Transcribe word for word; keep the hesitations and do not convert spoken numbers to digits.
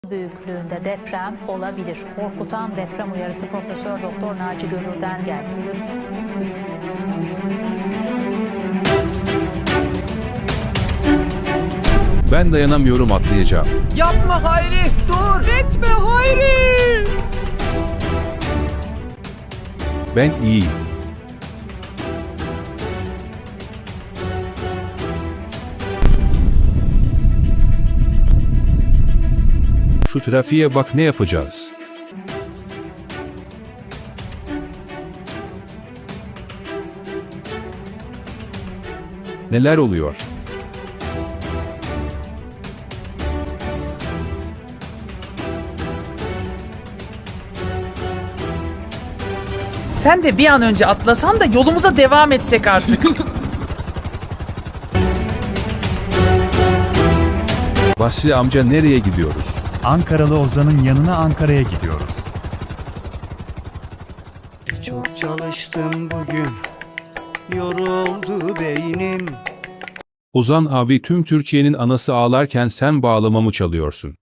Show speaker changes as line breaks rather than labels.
büyüklüğünde deprem olabilir. Korkutan deprem uyarısı Profesör Doktor Naci Görür'den geldi.
Ben dayanamıyorum, atlayacağım.
Yapma Hayri, dur! Etme Hayri!
Ben iyiyim. Şu trafiğe bak, ne yapacağız? Neler oluyor?
Sen de bir an önce atlasan da yolumuza devam etsek artık.
Basri amca, nereye gidiyoruz?
Ankaralı Ozan'ın yanına Ankara'ya gidiyoruz.
Çok çalıştım bugün, yoruldu beynim.
Ozan abi, tüm Türkiye'nin anası ağlarken sen bağlamamı çalıyorsun.